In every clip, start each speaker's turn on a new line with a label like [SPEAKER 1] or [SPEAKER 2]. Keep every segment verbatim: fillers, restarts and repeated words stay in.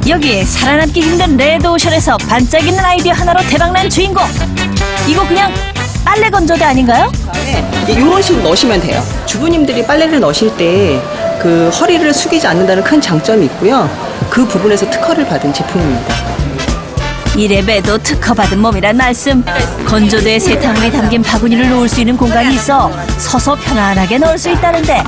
[SPEAKER 1] 여기에 살아남기 힘든 레드오션에서 반짝이는 아이디어 하나로 대박난 주인공. 이거 그냥 빨래 건조대 아닌가요?
[SPEAKER 2] 이런 식으로 넣으시면 돼요. 주부님들이 빨래를 넣으실 때 그 허리를 숙이지 않는다는 큰 장점이 있고요. 그 부분에서 특허를 받은 제품입니다.
[SPEAKER 1] 이래봬도 특허받은 몸이란 말씀. 건조대에 세탁물이 담긴 바구니를 놓을 수 있는 공간이 있어 서서 편안하게 넣을 수 있다는데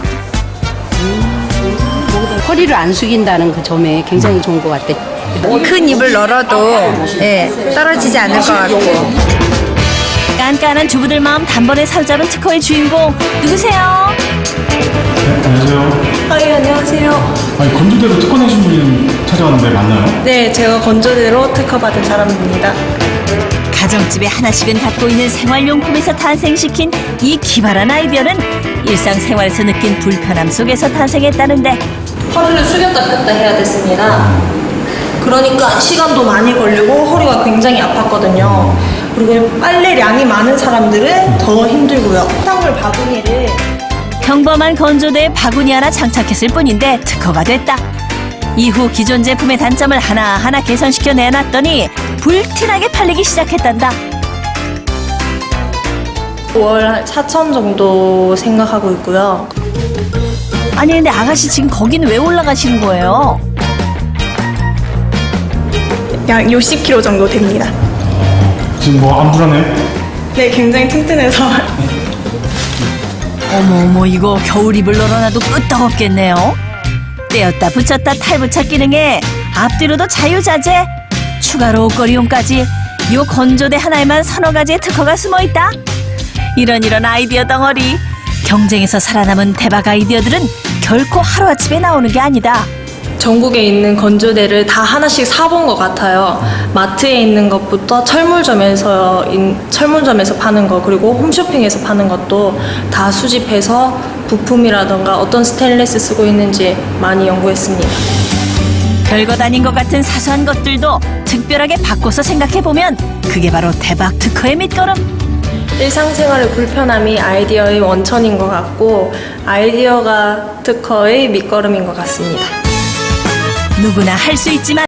[SPEAKER 3] 허리를 안 숙인다는 그 점에 굉장히 좋은 것 같아.
[SPEAKER 4] 큰 입을 열어도 예, 떨어지지 않을 것 같고.
[SPEAKER 1] 깐깐한 주부들 마음 단번에 사로잡은 특허의 주인공 누구세요?
[SPEAKER 5] 안녕하세요.
[SPEAKER 6] 아, 예, 안녕하세요.
[SPEAKER 5] 아니, 건조대로 특허 내신 분이 찾아왔는데 맞나요?
[SPEAKER 6] 네, 제가 건조대로 특허받은 사람입니다.
[SPEAKER 1] 가정집에 하나씩은 갖고 있는 생활용품에서 탄생시킨 이 기발한 아이디어는 일상생활에서 느낀 불편함 속에서 탄생했다는데
[SPEAKER 6] 허리를 숙였다 폈다 해야 됐습니다. 그러니까 시간도 많이 걸리고 허리가 굉장히 아팠거든요. 그리고 빨래량이 많은 사람들은 더 힘들고요. 탕물 바구니를
[SPEAKER 1] 평범한 건조대에 바구니 하나 장착했을 뿐인데 특허가 됐다. 이후 기존 제품의 단점을 하나하나 개선시켜 내놨더니 불티나게 팔리기 시작했단다.
[SPEAKER 6] 월 사천 정도 생각하고 있고요.
[SPEAKER 1] 아니 근데 아가씨 지금 거긴 왜 올라가시는 거예요?
[SPEAKER 6] 약 육십 킬로그램 정도 됩니다.
[SPEAKER 5] 지금 뭐 안 불안해요?
[SPEAKER 6] 네, 굉장히 튼튼해서.
[SPEAKER 1] 어머 어머 이거 겨울 입을 널어놔도 끄떡없겠네요. 떼었다 붙였다 탈부착 기능에 앞뒤로도 자유자재, 추가로 옷걸이용까지 요 건조대 하나에만 서너 가지의 특허가 숨어있다. 이런 이런 아이디어 덩어리. 경쟁에서 살아남은 대박 아이디어들은 결코 하루아침에 나오는 게 아니다.
[SPEAKER 6] 전국에 있는 건조대를 다 하나씩 사본 것 같아요. 마트에 있는 것부터 철물점에서 인, 철물점에서 파는 거, 그리고 홈쇼핑에서 파는 것도 다 수집해서 부품이라던가 어떤 스테인리스 쓰고 있는지 많이 연구했습니다.
[SPEAKER 1] 별것 아닌 것 같은 사소한 것들도 특별하게 바꿔서 생각해보면 그게 바로 대박 특허의 밑거름.
[SPEAKER 6] 일상생활의 불편함이 아이디어의 원천인 것 같고 아이디어가 특허의 밑거름인 것 같습니다.
[SPEAKER 1] 누구나 할 수 있지만